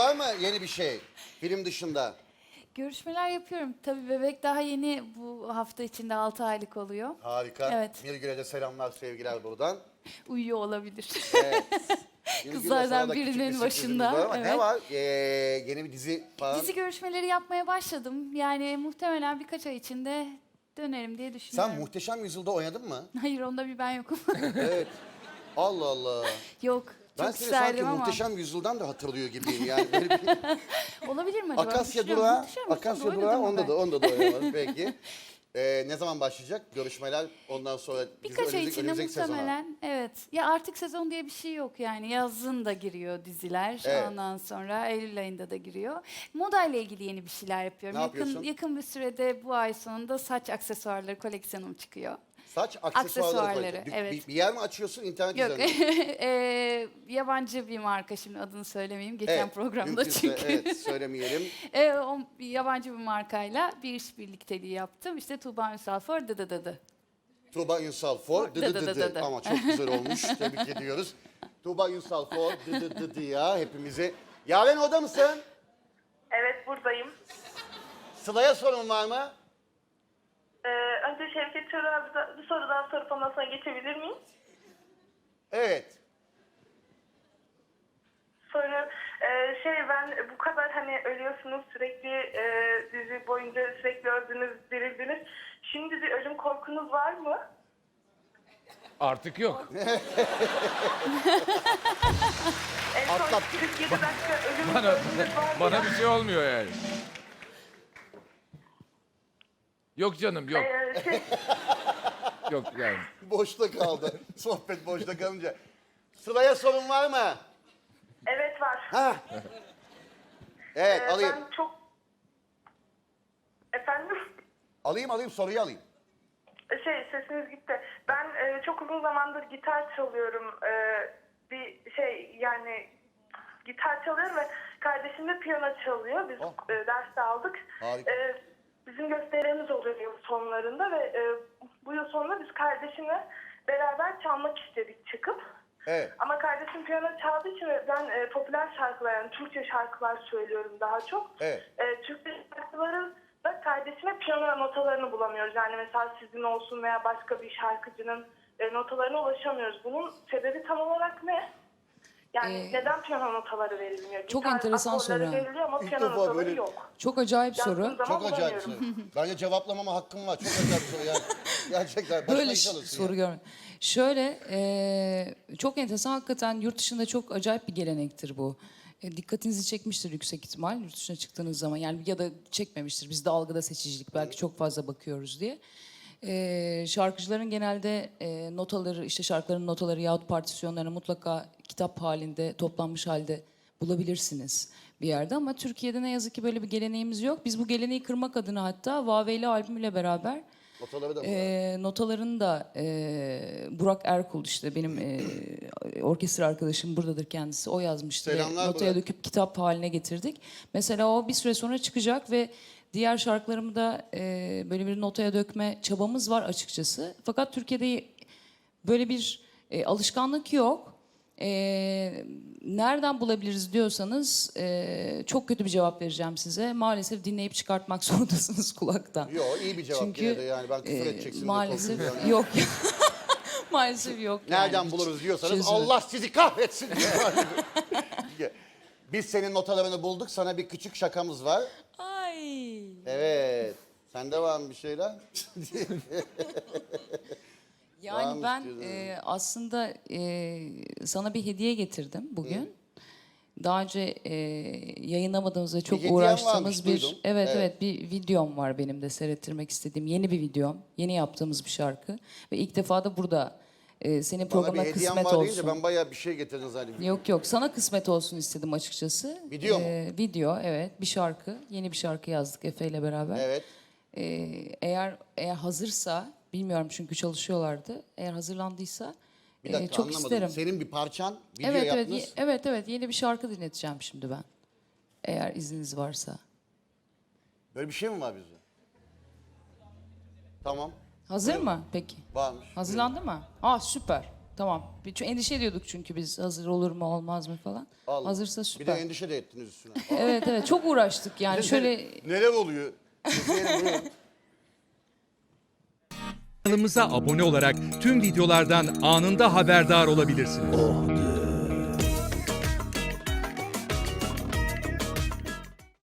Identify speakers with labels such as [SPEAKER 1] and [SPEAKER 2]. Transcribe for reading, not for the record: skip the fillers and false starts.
[SPEAKER 1] var mı yeni bir şey film dışında?
[SPEAKER 2] Görüşmeler yapıyorum. Tabii bebek daha yeni, bu hafta içinde 6 aylık oluyor.
[SPEAKER 1] Harika.
[SPEAKER 2] Evet.
[SPEAKER 1] Nilgün'e de selamlar, sevgiler buradan.
[SPEAKER 2] Uyuyor olabilir.
[SPEAKER 1] Evet. Nilgün'le
[SPEAKER 2] Kızlardan
[SPEAKER 1] sana da küçük
[SPEAKER 2] birinin
[SPEAKER 1] bir sürprizimiz
[SPEAKER 2] başında,
[SPEAKER 1] var ama
[SPEAKER 2] evet.
[SPEAKER 1] ne var? Yeni bir dizi falan.
[SPEAKER 2] Dizi görüşmeleri yapmaya başladım. Yani muhtemelen birkaç ay içinde dönerim diye düşünüyorum.
[SPEAKER 1] Sen Muhteşem Yüzyıl'da oynadın mı?
[SPEAKER 2] Hayır, onda bir ben yokum.
[SPEAKER 1] Evet. Allah Allah.
[SPEAKER 2] Yok.
[SPEAKER 1] Ben
[SPEAKER 2] Çok
[SPEAKER 1] seni sanki
[SPEAKER 2] isterdim ama.
[SPEAKER 1] Muhteşem Yüzyıl'dan da hatırlıyor gibiyim yani. Böyle bir...
[SPEAKER 2] Olabilir mi acaba?
[SPEAKER 1] Akasya
[SPEAKER 2] Düşünüyorum.
[SPEAKER 1] Durağı,
[SPEAKER 2] Muhteşem Yüzyıl'da
[SPEAKER 1] Akasya
[SPEAKER 2] oynadım
[SPEAKER 1] Durağı
[SPEAKER 2] mı
[SPEAKER 1] onda
[SPEAKER 2] ben?
[SPEAKER 1] da oynamadım peki. Ne zaman başlayacak görüşmeler ondan sonra
[SPEAKER 2] Birkaç ay içinde
[SPEAKER 1] önümüzdeki sezona?
[SPEAKER 2] muhtemelen, evet. Ya artık sezon diye bir şey yok yani. Yazın da giriyor diziler.
[SPEAKER 1] Evet.
[SPEAKER 2] Ondan sonra Eylül ayında da giriyor. Moda ile ilgili yeni bir şeyler yapıyorum.
[SPEAKER 1] Ne yapıyorsun?
[SPEAKER 2] Yakın bir sürede bu ay sonunda saç aksesuarları koleksiyonum çıkıyor.
[SPEAKER 1] Saç
[SPEAKER 2] Aksesuarları,
[SPEAKER 1] koyacaksın.
[SPEAKER 2] evet.
[SPEAKER 1] Bir yer mi açıyorsun internet
[SPEAKER 2] Yok,
[SPEAKER 1] üzerinden?
[SPEAKER 2] yabancı bir marka, şimdi adını söylemeyeyim. Geçen
[SPEAKER 1] Evet,
[SPEAKER 2] programda
[SPEAKER 1] mümkünse
[SPEAKER 2] çünkü.
[SPEAKER 1] evet söylemeyelim.
[SPEAKER 2] O yabancı bir markayla bir iş birlikteliği yaptım. İşte Tuğba Ünsal for dı.
[SPEAKER 1] Tuğba Ünsal for
[SPEAKER 2] Dı dı dı dı dı.
[SPEAKER 1] ama çok güzel olmuş. Tebrik ediyoruz. Tuğba Ünsal for dı ya hepimizi. Yaren orada mısın?
[SPEAKER 3] Evet, buradayım.
[SPEAKER 1] Sıla'ya sorun var mı?
[SPEAKER 3] Önce Şevket Çorab'a bir soru daha sorup ondan sonra geçebilir miyim?
[SPEAKER 1] Evet.
[SPEAKER 3] Sonra ben bu kadar hani ölüyorsunuz sürekli dizi boyunca sürekli öldünüz, dirildiniz. Şimdi bir ölüm korkunuz var mı?
[SPEAKER 4] Artık yok.
[SPEAKER 3] En son
[SPEAKER 1] Atlattık.
[SPEAKER 3] 47 dakika ölüm
[SPEAKER 4] Bana,
[SPEAKER 3] öldünüz var mı?
[SPEAKER 4] bana bir şey olmuyor yani. Yok canım yok. Yok yani.
[SPEAKER 1] Boşta kaldı. Sohbet boşta kalınca. Sıla'ya sorun var mı?
[SPEAKER 3] Evet var.
[SPEAKER 1] Ha. Evet alayım.
[SPEAKER 3] Ben çok... Efendim?
[SPEAKER 1] Alayım soruyu alayım.
[SPEAKER 3] Sesiniz gitti. Ben çok uzun zamandır gitar çalıyorum. Yani gitar çalıyorum ve kardeşim de piyano çalıyor. Biz
[SPEAKER 1] Oh.
[SPEAKER 3] ders de aldık.
[SPEAKER 1] Harika.
[SPEAKER 3] Bizim gösterimiz oluyor yıl sonlarında ve bu yıl sonunda biz kardeşimle beraber çalmak istedik çıkıp.
[SPEAKER 1] Evet.
[SPEAKER 3] Ama kardeşim piyano çaldığı için ve ben popüler şarkılar, yani Türkçe şarkılar söylüyorum daha çok.
[SPEAKER 1] Evet.
[SPEAKER 3] Türkçe şarkıların da kardeşime piyano notalarını bulamıyoruz. Yani mesela sizin olsun veya başka bir şarkıcının notalarına ulaşamıyoruz. Bunun sebebi tam olarak ne? Yani neden piyano notaları verilmiyor?
[SPEAKER 5] Çok
[SPEAKER 3] Gitar
[SPEAKER 5] enteresan
[SPEAKER 3] akorları
[SPEAKER 5] soru.
[SPEAKER 3] veriliyor ama
[SPEAKER 1] İlk
[SPEAKER 3] piyano
[SPEAKER 1] defa
[SPEAKER 3] notaları
[SPEAKER 1] böyle-
[SPEAKER 3] yok.
[SPEAKER 5] Çok acayip soru.
[SPEAKER 3] Yazdığım zaman
[SPEAKER 1] Çok acayip soru.
[SPEAKER 3] bulamıyorum.
[SPEAKER 1] Bence cevaplamama hakkım var. Çok acayip soru yani. Gerçekten. Başına
[SPEAKER 5] Böyle
[SPEAKER 1] iş alırsın
[SPEAKER 5] soru
[SPEAKER 1] ya.
[SPEAKER 5] görmedim. Şöyle çok enteresan, hakikaten yurt dışında çok acayip bir gelenektir bu. Dikkatinizi çekmiştir yüksek ihtimal yurt dışına çıktığınız zaman, yani ya da çekmemiştir. Bizde algıda seçicilik, belki çok fazla bakıyoruz diye. Şarkıcıların genelde notaları, işte şarkıların notaları yahut partisyonlarını mutlaka kitap halinde, toplanmış halde bulabilirsiniz bir yerde, ama Türkiye'de ne yazık ki böyle bir geleneğimiz yok. Biz bu geleneği kırmak adına hatta Vaveyli albümüyle beraber
[SPEAKER 1] Notaları da mı var?
[SPEAKER 5] notalarını da Burak Erkul, işte benim orkestra arkadaşım, buradadır kendisi, o yazmıştı.
[SPEAKER 1] Selamlar
[SPEAKER 5] Notaya
[SPEAKER 1] Burak.
[SPEAKER 5] döküp kitap haline getirdik. Mesela o bir süre sonra çıkacak ve diğer şarkılarımı da böyle bir notaya dökme çabamız var açıkçası. Fakat Türkiye'de böyle bir alışkanlık yok. Nereden bulabiliriz diyorsanız çok kötü bir cevap vereceğim size. Maalesef dinleyip çıkartmak zorundasınız kulaktan.
[SPEAKER 1] Yok iyi bir cevap
[SPEAKER 5] Çünkü
[SPEAKER 1] yine de yani ben küfür edeceksin diye
[SPEAKER 5] maalesef
[SPEAKER 1] korkuyorum yani.
[SPEAKER 5] yok. Maalesef yok.
[SPEAKER 1] Nereden
[SPEAKER 5] yani.
[SPEAKER 1] buluruz diyorsanız
[SPEAKER 5] Çözümü.
[SPEAKER 1] Allah sizi kahretsin. Biz senin notalarını bulduk. Sana bir küçük şakamız var.
[SPEAKER 5] Ay.
[SPEAKER 1] Evet. Sende var mı bir şeyler?
[SPEAKER 5] Yani
[SPEAKER 1] Varmış
[SPEAKER 5] ben
[SPEAKER 1] diyorsun.
[SPEAKER 5] aslında sana bir hediye getirdim bugün. Daha önce yayınlamadığımız ve çok
[SPEAKER 1] hediyen varmış,
[SPEAKER 5] uğraştığımız
[SPEAKER 1] duydum.
[SPEAKER 5] evet
[SPEAKER 1] Evet.
[SPEAKER 5] evet bir videom var benim de seyrettirmek istediğim, yeni bir videom. Yeni yaptığımız bir şarkı ve ilk defa da burada senin
[SPEAKER 1] Bana bir
[SPEAKER 5] programına
[SPEAKER 1] hediyen
[SPEAKER 5] kısmet
[SPEAKER 1] var deyince
[SPEAKER 5] olsun.
[SPEAKER 1] ben bayağı bir şey getirdin zannediyorum.
[SPEAKER 5] Yok, sana kısmet olsun istedim açıkçası.
[SPEAKER 1] Video mu?
[SPEAKER 5] Video, evet, bir şarkı. Yeni bir şarkı yazdık Efe ile beraber.
[SPEAKER 1] Evet.
[SPEAKER 5] Eğer hazırsa, bilmiyorum çünkü çalışıyorlardı. Eğer hazırlandıysa
[SPEAKER 1] Bir dakika
[SPEAKER 5] çok
[SPEAKER 1] anlamadım.
[SPEAKER 5] isterim.
[SPEAKER 1] Senin bir parçan video
[SPEAKER 5] Evet
[SPEAKER 1] yaptınız.
[SPEAKER 5] evet yeni bir şarkı dinleteceğim şimdi ben. Eğer izniniz varsa.
[SPEAKER 1] Böyle bir şey mi var bizde? Tamam.
[SPEAKER 5] Hazır mı peki?
[SPEAKER 1] Varmış.
[SPEAKER 5] Hazırlandı mı? Süper. Tamam. Çünkü endişe ediyorduk çünkü biz hazır olur mu olmaz mı falan.
[SPEAKER 1] Allah.
[SPEAKER 5] Hazırsa
[SPEAKER 1] Bir de
[SPEAKER 5] süper.
[SPEAKER 1] endişe de ettiniz üstüne.
[SPEAKER 5] Evet evet çok uğraştık yani şöyle
[SPEAKER 1] Neler oluyor? İzleyelim, buyurun.
[SPEAKER 6] Kanalımıza abone olarak tüm videolardan anında haberdar olabilirsiniz.